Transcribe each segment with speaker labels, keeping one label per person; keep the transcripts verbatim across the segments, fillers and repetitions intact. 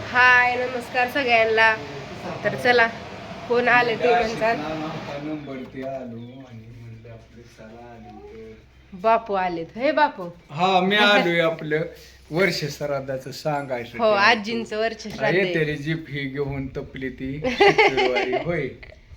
Speaker 1: हाय नमस्कार सगळ्यांना. तर चला कोण आले ते म्हणतात. बापू आलेत. हे बापू
Speaker 2: हा मी आलोय आपलं वर्ष श्राद्धाचं सांगायचं.
Speaker 1: हो आजींचं वर्ष श्राद्ध आहे.
Speaker 2: येते रे जीप ही घेऊन तपली ती शुक्रवारी. होय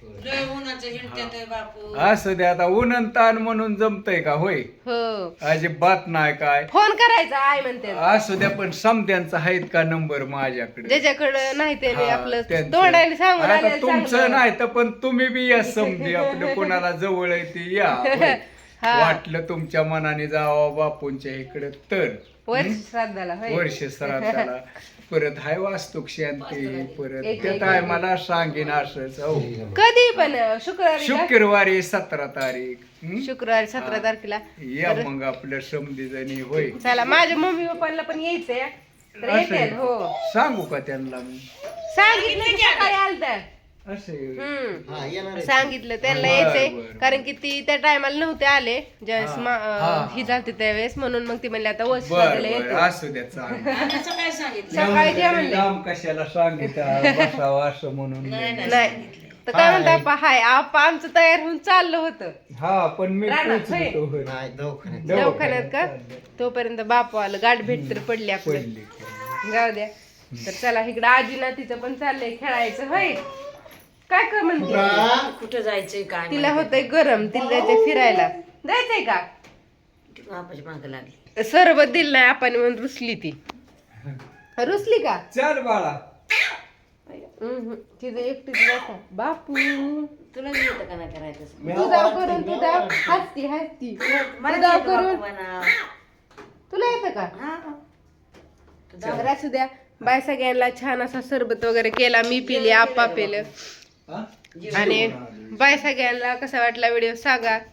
Speaker 2: असं दे आता ऊन ताण म्हणून जमतय का? होय
Speaker 1: हो
Speaker 2: अजिबात नाही काय.
Speaker 1: फोन करायचा आय म्हणते.
Speaker 2: असू द्या पण समत्यांचा आहेत का नंबर माझ्याकडे?
Speaker 1: ज्याच्याकडे नाही ते
Speaker 2: हा,
Speaker 1: आपलं
Speaker 2: त्यांचं.
Speaker 1: तोंडाने सांगून
Speaker 2: आता
Speaker 1: आलेलं
Speaker 2: तुमचं
Speaker 1: चांगलं.
Speaker 2: नाही तर पण तुम्ही बी या समजे आपलं कोणाला जवळ आहे ती या. होय.
Speaker 1: हा.
Speaker 2: वाटलं तुमच्या मनाने जावं बापूंच्या इकडे तर
Speaker 1: वर्ष श्राद्धाला होय.
Speaker 2: वर्ष श्राद्धाला परत हाय वास्तुक शांती परत
Speaker 1: एक-
Speaker 2: त्या
Speaker 1: एक-
Speaker 2: टायमाला सांगेन असंच. हो
Speaker 1: कधी पण शुक्रवारी का?
Speaker 2: शुक्रवारी सतरा तारीख हं?
Speaker 1: शुक्रवारी सतरा तारखेला.
Speaker 2: या मग आपल्या समधी जणी. होय
Speaker 1: चला माझ्या मम्मी पप्पांना पण यायचंय तर
Speaker 2: असं
Speaker 1: येते. हो
Speaker 2: सांगू का त्यांना मी
Speaker 1: सांगितलं की सकाळी आलतं.
Speaker 2: असे
Speaker 1: हम्म सांगितलं त्यांना
Speaker 2: बरं,
Speaker 1: यायचंय
Speaker 2: बरं.
Speaker 1: कारण की ती त्या टायमाला नव्हते आले ज्यावेळेस
Speaker 2: हा,
Speaker 1: मा-
Speaker 2: हा,
Speaker 1: अं, ही झालती त्यावेळेस म्हणून मग ती म्हणली आता वर्ष
Speaker 2: बर
Speaker 1: श्राद्धाला
Speaker 2: बर
Speaker 1: येते.
Speaker 2: असू द्या चांगलं.
Speaker 1: सकाळी जे म्हणले
Speaker 2: लांब कशाला सांगितलं बसावं असं म्हणून
Speaker 1: नाही तर काय म्हणता आप्पा हाय आप्पा आमचं तयार होऊन चाललं होतं
Speaker 2: हा पण मी
Speaker 1: रानात,
Speaker 2: पोचलो
Speaker 1: होय.
Speaker 2: होय.
Speaker 1: दवाखान्यात का तोपर्यंत बापू आलं गाठ भेट तर पडली आपली.
Speaker 2: पडली.
Speaker 1: जाऊ द्या. तर चला इकडं आजीना तिचं पण चाललंय खेळायचं होय. काय कर म्हणते
Speaker 3: कुठं जायचंय काय
Speaker 1: तिला होतंय गरम तिला जायचंय फिरायला जायचंय का
Speaker 3: बापाची माग लागली
Speaker 1: सरबत दिलं नाही आपण म्हणून रुसली ती रुसली का
Speaker 2: चल बाळा
Speaker 1: हम्म, तिचं एकटीच बसा बापू
Speaker 3: तुला येतं का नाही करायचं
Speaker 1: तुझा करून तुझा हसती हसती तुझा करून तुला येतं का तर असू द्या. बाय सगळ्यांना छान असा सरबत वगैरे केला मी पिले आप्पा पिलं
Speaker 2: हा?
Speaker 1: आणि बाय सगळ्यांना कसा वाटला व्हिडिओ सांगा.